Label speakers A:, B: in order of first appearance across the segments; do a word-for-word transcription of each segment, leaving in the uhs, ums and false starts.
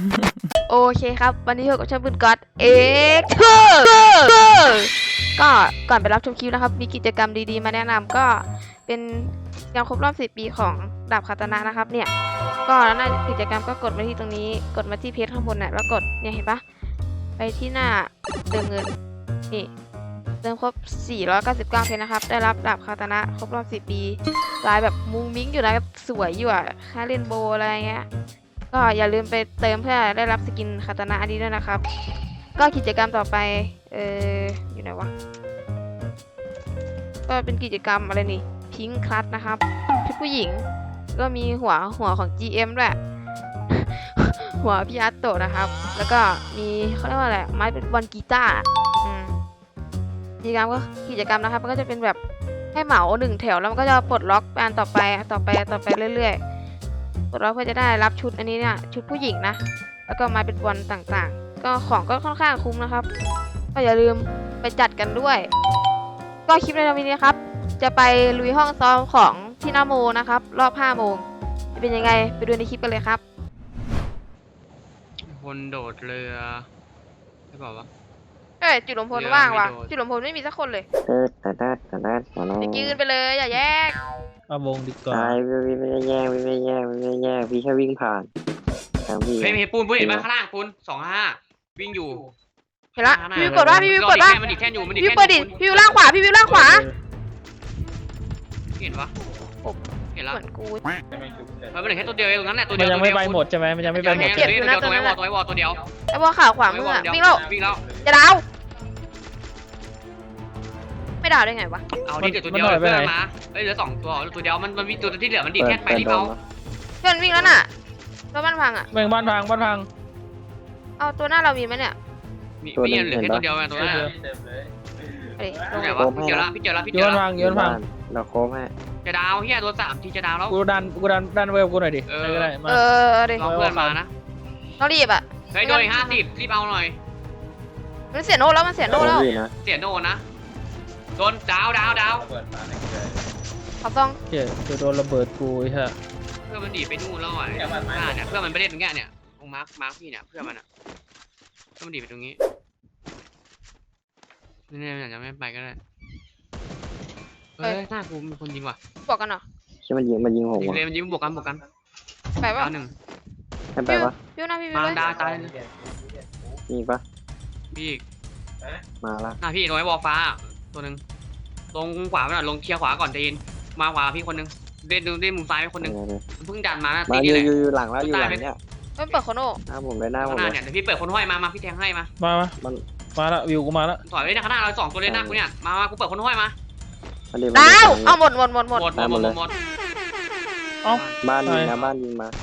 A: โอเคครับวันนี้อยู่กับช่างปืนก๊อตเอ็กซ์ก็ก่อนไปรับชมคลิปนะครับมีกิจกรรมดีๆมาแนะนำก็เป็นงานครบรอบสิบปีของดาบคาตานะนะครับเนี่ยก็หน้ากิจกรรมก็กดมาที่ตรงนี้กดมาที่เพจข้างบนเนี่ยแล้วกดเนี่ยเห็นปะไปที่หน้าเติมเงินนี่เติมครบสี่ร้อยเก้าสิบเก้าเพชรนะครับได้รับดาบคาตานะครบรอบสิบปีลายแบบมุ้งมิ้งอยู่นะสวยอยู่อะค่าเล่นโบอะไรเงี้ยก็อย่าลืมไปเติมเพื่อได้รับสกินคาตานะอันนี้ด้วยนะครับก็กิจกรรมต่อไปเอออยู่ไหนวะก็เป็นกิจกรรมอะไรนี่พิงค์คลัตนะครับชุดผู้หญิงก็มีหัวหัวของ จี เอ็ม ด้วย หัวพี่อาร์ตโตะนะครับแล้วก็มีเขาเรียกว่าอะไรไม้เป็นบอลกีตาร์อืมกิจกรรมก็กิจกรรมนะครับมันก็จะเป็นแบบให้เหมาหนึ่งแถวแล้วมันก็จะปลดล็อกอันต่อไปต่อไปต่อไปเรื่อยๆปลดล็อกเพื่อจะได้รับชุดอันนี้เนี่ยชุดผู้หญิงนะแล้วก็ไม้เป็นบอลต่างๆก็ของก็ค่อนข้างคุ้มนะครับก็อย่าลืมไปจัดกันด้วยก็คลิปในวันนี้นะครับจะไปลุยห้องซ้อมของที่นาโมนะครับรอบห้าโมงจะเป็นยังไงไปดูในคลิปกันเลยครับ
B: คนโดดเรือไม่บอกว่า
A: เอ้ยจุดลมพลว่างว่ะจุดลมพลไม่มีสักคนเลยจะยืนไปเลยอย่าแยก
C: เอาวงดีกว่า
D: ตายวิ่งไม่ได้แย่งวิ่งไม่ได้แย่งวิ่งไม่ได้แย่งพี่แค่วิ่งผ่านทางพี่
B: เฮ้ยมีปูนปูนเห็นไหมข้างล่างปูนสองห้าวิ่งอยู่
A: เห็นละพี่วิวกดว่าพี่วิวกดว่า
B: มันดิแท่นอยู่มันดิ
A: พี่วิวเปิดดิพี่วิวล่างขวาพี่วิวล่างขวา
B: เห็นปะเห็นแล้ว
A: เหมือนกู
B: มันเป็นแค่ตัวเดียวเองตรงนั้นแหละตัวเดี
C: มั
B: ย
C: น
B: ว
C: ยังไม่ไปหมดใช่ไหมมันยังไม่ไปหมด
B: เจ็บอยู่นะตัวไอ้วอลตัวไอ้วอลตัวเดียว
A: ไอ้บอลขาวขวามืออะวิ่งแล้ว
B: วิ่งแล้ว
A: จะดาวไม่ดาวได้ไงวะ
B: เอาดิเดี๋ยวตัวเดียวเพื่อนมาเอ้ยเหลือสองตัวตัวเดียวมันมันมีตัวที่เหลือมันดิแท่นไปที่เขา
A: เพื่อนวิ่งแล้วน่ะรถบ้านพังอ่ะ
C: แม่งบ้านพังบ้านพัง
A: เอาตัวหน้าเรามีไหมเนี่ย
B: มีมีเหลือแค่ตัวเดียวตัวนั้น
A: เอ้ย
B: ตัวไหนวะพี่เจอละพี่เจอละพี่
C: โย
B: เจอน ละ
C: พังโยนพัง
D: เราโค้งให้
B: จะดาวเฮียตัวสามทีจะดาวแล้ว
C: กูดันกูดันดันเวลกูหน่อยดิได้ก็ได้มา
A: เออเดี๋ยว
B: รอเพื่อนมานะ
A: ต้องรีบอ่ะ
B: เฮ้ยโดนอีกห้าสิบรีบเอาหน่อย
A: มันเสียโน่แล้วมันเสียโน่แล้ว
D: พี่นะ
B: เสียโนนะโดนดาวดาวดาว
A: เขาต้อง
C: เจ๊จะโดนระเบิดกูไอ้ห่า
B: เพื่อนมันดีไปนู่นแล้วอ่ะเนี่ยเพื่อนมันไปเล่นตรงเนี้ยเนี่ยตรงมาร์คมาร์คพี่เนี่ยเพื่อนมันอ่ะเพื่อนมันดีไปตรงนี้นี่เนี่ยอาจจะไม่ไปก็ได้เฮ้ยหน้ากูมีคนยิงว่ะ
A: บอกกันเหรอ
D: ใช่มันยิงมันยิงผม
B: ยิง
D: วะ
B: เลยมันยิงบวกกันบวกกัน
A: ไปป่ะ
B: ดาวหนึ่ง
D: ให้ไปปะ
A: พี่วิวนะพี่วิว
B: มา
A: เลย
B: ดาวตาย
D: มีปะ
B: พี่อีก
D: มาละ
B: หน้าพี่ตรงไอ้บอลฟ้าตัวหนึ่งลงขวาไปหน่อยลงเคลียร์ขวาก่อนใจเย็นมาขวาพี่คนหนึ่งเล่นเล่นมุมซ้ายไปคนหนึ่งเพิ่งดันมานะ
D: มา
B: ตี
D: อ
B: นี่
D: ยู่
B: แหละ
D: อยู่อยู่หลังแล้วอยู่หลังเนี้ย
A: มันเปิดโคโน่
D: หน้าผมเลยหน้าผ
B: ข้าง
D: ม
B: หน้า
D: เลย
B: เนี่ยเดี๋ยวพี่เปิดคนห้อยมามาพี่แทงให้มา
C: มามา
D: มัน
C: มาละวิวกูมาละ
B: ถอยไว้ในข้างหน้าเราสองตัวเลยหน้ากูเนี่ยมามากูเปิดคนห้อยมา
D: มันดี
A: ดาวเอาหมดหมดหมดหมด
B: หมดหมดหมดหมดหมด
C: เอ้า
D: บ้านยิงนะบ้านยิงมา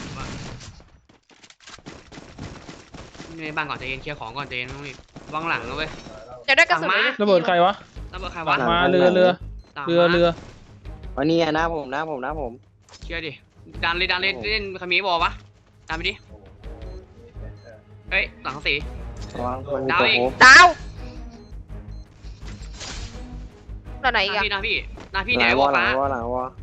B: ในบ้านก่อนใจเย็นเคลียร์ของก่อนใจเย็นต้องรีบวางหลังนะเว้ย
A: จะได้กระสุน
C: ระเบิดใครวะ
B: ระเบิดใครวะ
C: มาเรือเรือเรือเรือ
D: วันนี้หน้าผมหน้าผมหน้าผม
B: เชื่อดิดันเลยดันเลยเล่นคามีบอลวะดันไปดิเฮ้ยหลังสี
D: วางมันมีตัวโค้ง
A: ดาวตอนไหน
B: ห
A: อีก
B: น้า
A: อะ
B: พี่หน้าพี่หน้าพี่
D: ห
B: เนี่
D: ลั
B: ย
D: ง
B: บ
D: ว
B: อ
D: อ
B: ล
D: หลั
B: ฟ้าง
D: วอหลังวอ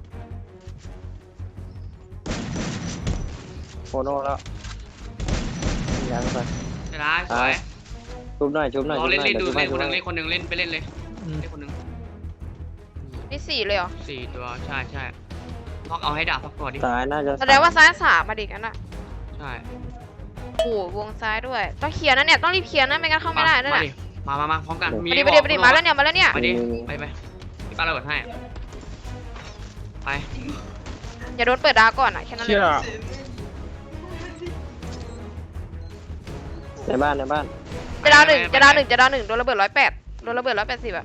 D: โคโน่แล้วยังไป
B: เดี๋ยวนะสวย
D: ชุบหน่อยชุบหน่อย
B: รอเล่นเล่นดู
D: ชุบห
B: เล่น
D: ชุ
B: คน
D: บ
B: หนึ่ง
D: ห
B: เล่นคนหนึ่งเล่นไปเล่นเลย
C: อืม
B: เล่นคนหนึ่ง
A: นี่สี่เลยเหรอ
B: สี่ตัวใช่ใช่ล็อกเอาให้ดาบพักตัวดิ
D: ซ้ายน่าจะ
A: แสดงว่าซ้ายสามมาดิกันอะ
B: ใช่
A: โอ้วงซ้ายด้วยต้องเคลียร์นะเนี่ยต้องรีบเคลียร์นะไม่งั้นเข้าไม่ได้นั่นแหละ
B: มามามาพร้อมกัน
A: มาดิมาดิมาดิมาแล้วเนี่ยมาแล้วเนี่ย
B: ไปดิไปไปพี่ป้าระเบิดให้ไป
A: อย่าโดนเปิดดาวก่อนอะแค่นั้นเล
C: เชี่ย
A: ย
D: ในบ้านในบ้าน
A: จะดาวหนึ่งจะดาวหนึ่งจะดาวหนึ่งโดนระเบิดร้อยแปดโดนระเบิดร้อยแปดสิบอะ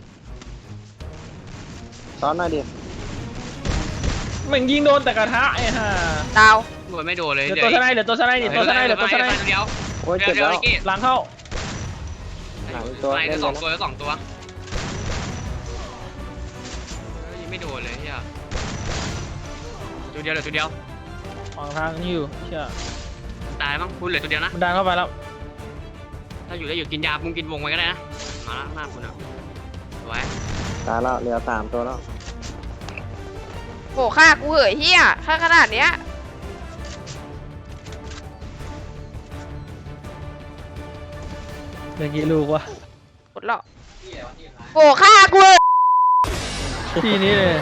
D: ซ้อนหน่อยดิ
C: แม่งยิงโดนแต่กระทะไอ้ห่า
A: ดาว
B: โดนไม่โดนเลย
C: เหลือตัวสไนด์เหลือตัวสไนด์ดิตัวสไนด์เหลือตัวสไนด์
B: เดียว
D: โอ้ย
B: เดียว
D: เจ็บ
B: เดียว
D: แล้ว
B: ไอ้กี้
C: หลังเข้า
D: หลังตัว
B: ไอ้
D: เล่น
B: ส
D: เล
B: อง
D: ย
B: ตัวแล้วสองตัวไม่โดนเลยเฮียตัวเดียวเหลือตัวเดียว
C: ฝั่งทางนี่อยู่เชี่ย
B: ตายมั้งคุณเหลือตัวเดียวนะ
C: มันดันเข้าไปแล้ว
B: ถ้าอยู่ได้อยู่กินยามึงกินวงไว้ก็ได้นะมาละหน้าคุณอ่ะไว้
D: ตายแล้วเหลือสามตัวแล้ว
A: โหฆ่ากูเหยเฮียฆ่าขนาดเนี้ย
C: มื่อกี้ลูกวะ
A: กดหรอกโอ้ฆ่ากูเลย
C: ทีนี้เลย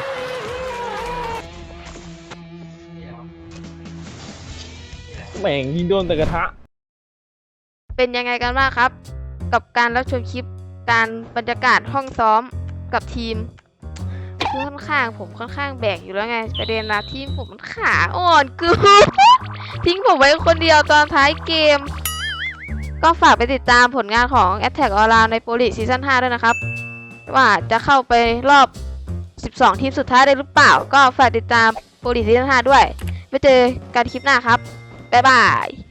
C: แม่งยิงโดนแต่กระทะ
A: เป็นยังไงกันบ้างครับ กับการรับชมคลิปการบรรยากาศห้องซ้อมกับทีมคือค่อนข้างผมค่อนข้างแบกอยู่แล้วไงประเด็นนะทีมผมมันขาอ่อนเกูทิ้งผมไว้คนเดียวตอนท้ายเกม ก็ฝากไปติดตามผลงานของ Attack Online ใน Pro League ซีซั่นห้าด้วยนะครับ ว่าจะเข้าไปรอบ สิบสอง ทีมสุดท้ายได้หรือเปล่า ก็ฝากติดตาม Pro League ซีซั่นห้าด้วยไว้เจอกันคลิปหน้าครับ บ๊ายบาย